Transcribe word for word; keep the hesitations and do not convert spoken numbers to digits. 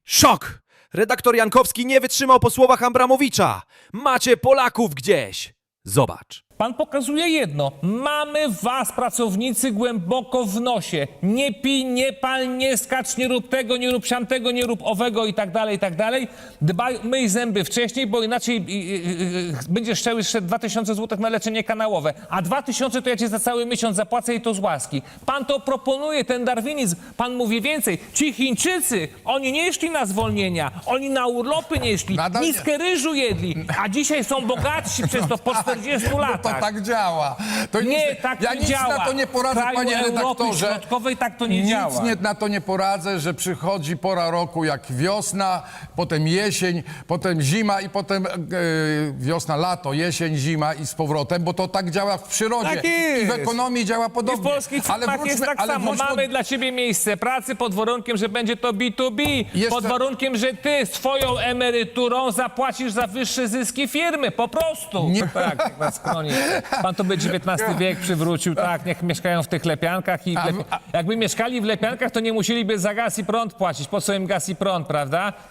Szok! Redaktor Jankowski nie wytrzymał po słowach Abramowicza. Macie Polaków gdzieś. Zobacz. Pan pokazuje jedno. Mamy was, pracownicy, głęboko w nosie. Nie pij, nie pal, nie skacz, nie rób tego, nie rób siamtego, nie rób owego i tak dalej, i tak dalej. Dbaj, myj zęby wcześniej, bo inaczej yy, yy, yy, będziesz chciał jeszcze dwa tysiące złotych na leczenie kanałowe. A dwa tysiące to ja ci za cały miesiąc zapłacę i to z łaski. Pan to proponuje, ten darwinizm. Pan mówi więcej. Ci Chińczycy, oni nie szli na zwolnienia. Oni na urlopy nie szli. Nadal nie. Miskę ryżu jedli. A dzisiaj są bogatsi przez to po czterdziestu latach. To tak działa. To Nie, nic, tak ja nie nic działa. na to nie poradzę, W kraju panie Europy redaktorze. Środkowej tak to nie nic działa. Nie, na to nie poradzę, że przychodzi pora roku jak wiosna, potem jesień, potem zima i potem e, wiosna, lato, jesień, zima i z powrotem, bo to tak działa w przyrodzie. Tak jest. I w ekonomii działa I w podobnie. polskich firmach jest tak ale samo. wróćmy- Mamy dla ciebie miejsce pracy pod warunkiem, że będzie to B dwa B. Jeszcze- Pod warunkiem, że ty swoją emeryturą zapłacisz za wyższe zyski firmy. Po prostu. Nie. Tak, jak na skronie. Pan to by dziewiętnasty wiek przywrócił. Tak, niech mieszkają w tych lepiankach. I w A- lepi... Jakby mieszkali w lepiankach, to nie musieliby za gaz i prąd płacić. Po co im gaz i prąd, prawda?